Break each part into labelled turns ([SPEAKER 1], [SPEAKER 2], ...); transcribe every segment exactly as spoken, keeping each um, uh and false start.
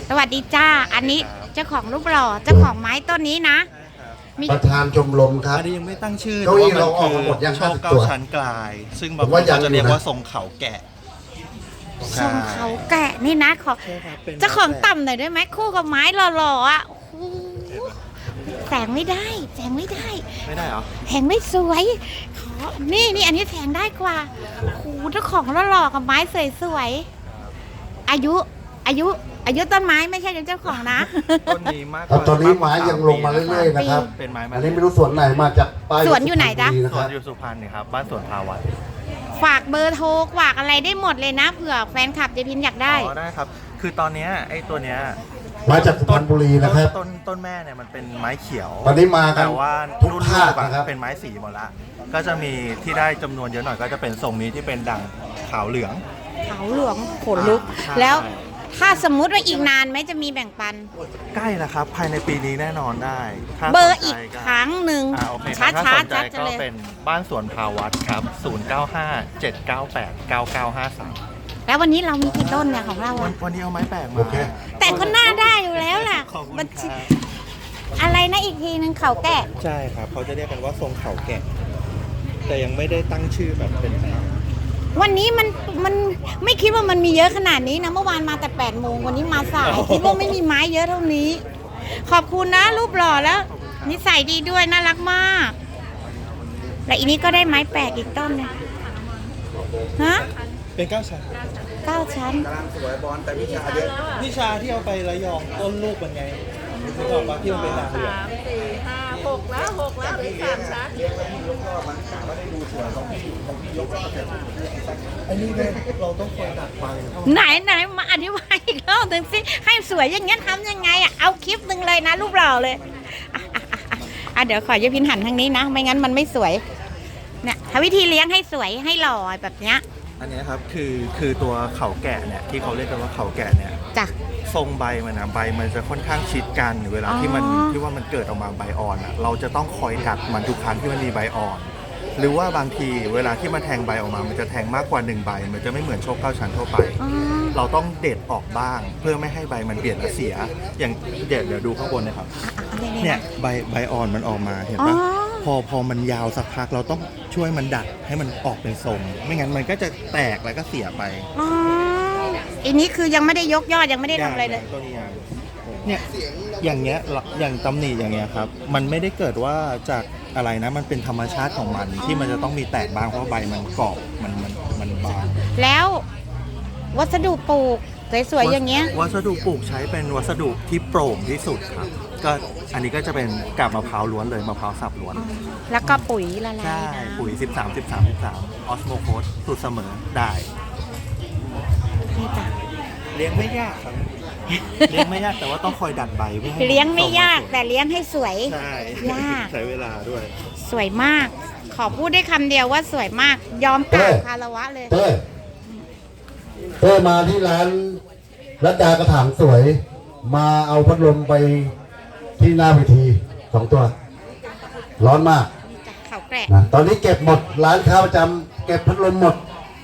[SPEAKER 1] สวัสดีจ้าอันนี้เจ้าของรูปหล่อเจ้าของไม้ต้นนี้นะ
[SPEAKER 2] ประธานชมรมครับ
[SPEAKER 3] อันนี้ยังไม่ตั้งชื่อ
[SPEAKER 2] เก้าอี้เราออกมาหมดยัง
[SPEAKER 3] โชคเก้าชั้นกลายซึ่งบางคนจะเรียกว่าทรงเขาแกะ
[SPEAKER 1] ทรงเขาแกะนี่นะขอเจ้าของต่ำหน่อยได้ไหมคู่กับไม้หล่อๆอ่ะแสงไม่ได้แสงไม่ได้
[SPEAKER 3] ไม่ได้เหรอ
[SPEAKER 1] แสงไม่สวยขอนี่นี่อันนี้แสงได้กว่าโอ้เจ้าของหล่อๆกับไม้สวยๆอายุอายุอายุต้นไม้ไม่ใช่เจ้าของนะ
[SPEAKER 3] ต้นนี้มาก
[SPEAKER 2] ตอนนี้ไม้ยังลงมาเรื่อยๆนะครับ
[SPEAKER 3] เป็นไม้
[SPEAKER 2] อันนี้ไม่รู้สวนไหนมาจากป้าย
[SPEAKER 1] สวนอยู่ไหนจ๊ะ
[SPEAKER 3] สวนอยู่สุพรรณนี่ครับบ้านสวนภาวัต
[SPEAKER 1] ฝากเบอร์โทรฝากอะไรได้หมดเลยนะเผื่อแฟนคลับเจพินอยากได้
[SPEAKER 3] อ๋อได้ครับคือตอนนี้ไอ้ตัวเนี้ย
[SPEAKER 2] มาจากสุพรรณบุรีนะครับ
[SPEAKER 3] ต้นต้นแม่เนี่ยมันเป็นไม้เขียว
[SPEAKER 2] ตอนนี้มากัน
[SPEAKER 3] แต่ว่า
[SPEAKER 2] ทุกภาค
[SPEAKER 3] นะครับเป็นไม้สีหมดละก็จะมีที่ได้จำนวนเยอะหน่อยก็จะเป็นทรงนี้ที่เป็นด่างขาวเหลือง
[SPEAKER 1] ขาวเหลืองขนลุกแล้วถ้าสมมุติว่าอีกนานไหมจะมีแบ่งปัน
[SPEAKER 3] ใกล้แล้วครับภายในปีนี้แน่นอนได้
[SPEAKER 1] เบอร์อีกครั้งหนึ่ง
[SPEAKER 3] ช้าช้าจัดก็เป็นบ้านสวนภาวัตครับศูนย์ เก้า ห้า เจ็ด เก้า แปด เก้า เก้า ห้า สาม
[SPEAKER 1] แล้ววันนี้เรามีกี่ต้นเนี่ยของเรา
[SPEAKER 3] วันนี้เอาไม้แปลกมา
[SPEAKER 1] แต่ก็น่าได้อยู่แล้วล่ะมันอะไรนะอีกทีนึงเขาแกะ
[SPEAKER 3] ใช่ครับเขาจะเรียกกันว่าทรงเขาแกะแต่ยังไม่ได้ตั้งชื่อแบบเป็น
[SPEAKER 1] วันนี้มันมันไม่คิดว่ามันมีเยอะขนาดนี้นะเมื่อวานมาแต่แปดโมงวันนี้มาสายคิดว่าไม่มีไม้เยอะเท่านี้ขอบคุณนะรูปหล่อแล้วนิสัยดีด้วยน่ารักมากและอีนี้ก็ได้ไม้แปลกอีกต้นนึงฮะ
[SPEAKER 3] เป็นเก้าชั้น
[SPEAKER 1] เก้าชั้น
[SPEAKER 3] กำลังสวยบอลแต่วิชาเยอะวิชาที่เอาไประยองต้นลูกเป็นไงที่บอกว่าที่มันเป็นด่างเหลือง
[SPEAKER 4] สามสี่ห้าหกแล้วหกแล้วหรือสามชั้น
[SPEAKER 3] เลี้ยงแล้วพี่ยกก็มันไม่ได้ดูสวยของพี่ของพี่ยกก็เสร็จอันนี้เนี่ยเราต้องคอยดัดไป
[SPEAKER 1] ไหนไหนมาอธิบายอีกรอบหนึ่งสิให้สวยอย่างเงี้ยทำยังไงอ่ะเอาคลิปหนึ่งเลยนะรูปเราเลยอ่ะเดี๋ยวขอยพินหันทางนี้นะไม่งั้นมันไม่สวยเนี่ยทำวิธีเลี้ยงให้สวยให้หล่อแบบเนี้ย
[SPEAKER 3] อันนี้ครับคือคือตัวเขาแกะเนี่ยที่เขาเรียกกันว่าเขาแกะเนี่ย
[SPEAKER 1] จ้ะ
[SPEAKER 3] ทรงใบมันนะใบมันจะค่อนข้างชิดกันเวลาที่มันที่ว่ามันเกิดออกมาใบอ่อนอ่ะเราจะต้องคอยกัดมันทุกครั้งที่มันมีใบอ่อนหรือว่าบางทีเวลาที่มันแทงใบออกมามันจะแทงมากกว่าหนึ่งใบมันจะไม่เหมือนโชคเก้าชั้นทั่วไปเราต้องเด็ดออกบ้างเพื่อไม่ให้ใบมันเปลี่ยนและเสียอย่างเด็ดเดี๋ยวดูข้างบนนะครับเนี่ยใบใบอ่อนมันออกมาเห็นปะพอพอมันยาวสักพักเราต้องช่วยมันดัดให้มันออกเป็นทรงไม่งั้นมันก็จะแตกแล้วก็เสียไป
[SPEAKER 1] อ๋ออันนี้คือยังไม่ได้ยกยอดยังไม่ได้ทำอะไรเลย
[SPEAKER 3] ตัวนี้เนี่ยอย่างเงี้ยอย่างตำหนิอย่างเงี้ยครับมันไม่ได้เกิดว่าจากอะไรนะมันเป็นธรรมชาติของมันที่มันจะต้องมีแตกบางเพราะใบมันเกาะมันมันมันบาง
[SPEAKER 1] แล้ววัสดุปลูกสวยๆอย่างเงี้ย
[SPEAKER 3] วัสดุปลูกใช้เป็นวัสดุที่โปร่งที่สุดครับก็อันนี้ก็จะเป็นกาบมะพร้าวล้วนเลยมะพร้าวสับล้วน
[SPEAKER 1] แล้วก็ปุ๋ยละลาย
[SPEAKER 3] ใช่ปุ๋ยสิบสาม สิบสาม สิบสามออสโมโคสสูตรเสมอได้
[SPEAKER 1] นี่จ้ะ
[SPEAKER 3] เลี้ยงไม่ยากครับเลี้ยงไม่ยากแต่ว่าต้องคอยดัดใบเพื่อให้
[SPEAKER 1] เลี้ยงไม่ยากแต่เลี้ยงให้สวย
[SPEAKER 3] ใช่
[SPEAKER 1] ยาก
[SPEAKER 3] ใช้เวลาด้วย
[SPEAKER 1] สวยมากขอพูดได้คำเดียวว่าสวยมากยอมกราบคารวะเลย
[SPEAKER 2] เต้เต้มาที่ร้านรัตดากระถางสวยมาเอาพัดลมไปที่หน้าเวทีสองตัวร้อนมาก
[SPEAKER 1] เขาแกะ
[SPEAKER 2] นะตอนนี้เก็บหมดร้านค้าประจำเก็บพัดลมหมด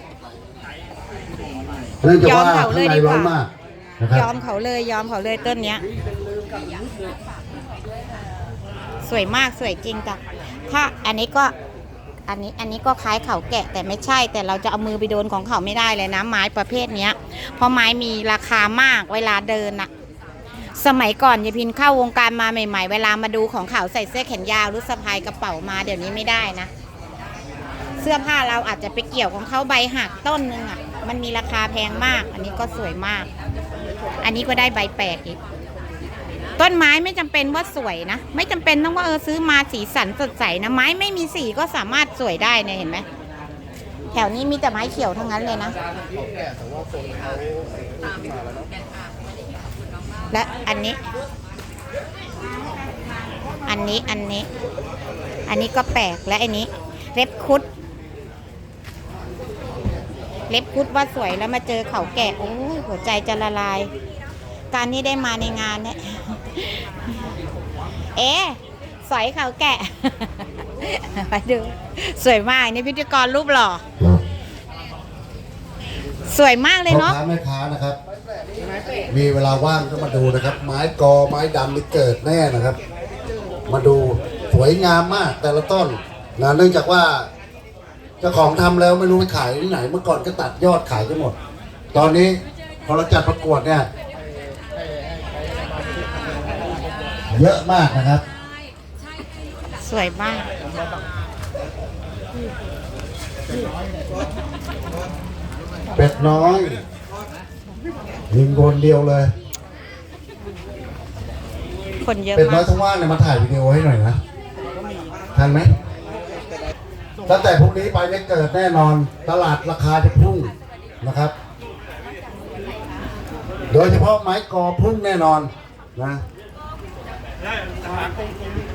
[SPEAKER 2] เนื่องจากว่าข้างในร้อนมาก
[SPEAKER 1] ยอมเขาเลยยอมเขาเลยต้นเนี้ยสวยมากสวยจริงจ้ะถ้าอันนี้ก็อันนี้อันนี้ก็คล้ายเขาแกะแต่ไม่ใช่แต่เราจะเอามือไปโดนของเขาไม่ได้เลยนะไม้ประเภทเนี้ยเพราะไม้มีราคามากเวลาเดินอะสมัยก่อนยายพินเข้าวงการมาใหม่ๆเวลามาดูของเขาใส่เสื้อแขนยาวหรือสะพายกระเป๋ามาเดี๋ยวนี้ไม่ได้นะเสื้อผ้าเราอาจจะไปเกี่ยวของเขาใบหักต้นนึงอะมันมีราคาแพงมากอันนี้ก็สวยมากอันนี้ก็ได้ใบแปลกอีกต้นไม้ไม่จำเป็นว่าสวยนะไม่จำเป็นต้องว่าเออซื้อมาสีสันสดใสนะไม้ไม่มีสีก็สามารถสวยได้เนี่ยเห็นไหมแถวนี้มีแต่ไม้เขียวทั้งนั้นเลยนะและอันนี้อันนี้อันนี้อันนี้ก็แปลกและอันนี้เล็บคุดเล็บคุดว่าสวยแล้วมาเจอเขาแกะโอ้ยหัวใจจะละลายการนี้ได้มาในงานเนี่ยเอ๊ะสอยเขาแกะไปดูสวยมากนี่พิธีกรรูปหล่อสวยมากเลย
[SPEAKER 2] พ่อ
[SPEAKER 1] เนาะ
[SPEAKER 2] ค้าแม่ค้านะครับ มีเวลาว่างก็มาดูนะครับ ไม้กอไม้ดำนี่เกิดแน่นะครับ มาดูสวยงามมากแต่ละต้นนะเนื่องจากว่าเจ้าของทำแล้วไม่รู้ไปขายที่ไหนเมื่อก่อนก็ตัดยอดขายไปหมด ตอนนี้พอเราจัดประกวดเนี่ย เยอะมากนะครับ
[SPEAKER 1] สวยมาก
[SPEAKER 2] เป็ดน้อยยิงคนเดียวเลย
[SPEAKER 1] คนเยอะ
[SPEAKER 2] เป็ดน้
[SPEAKER 1] มา
[SPEAKER 2] อย
[SPEAKER 1] ก
[SPEAKER 2] ทั้งว่างเนี่ยมาถ่ายวิดีโอให้หน่อยนะทันไหมตั้งแต่พรุ่งนี้ไปเนี่ยเกิดแน่นอนตลาดราคาจะพุ่งนะครับ โดยเฉพาะไม้กอพุ่งแน่นอนนะ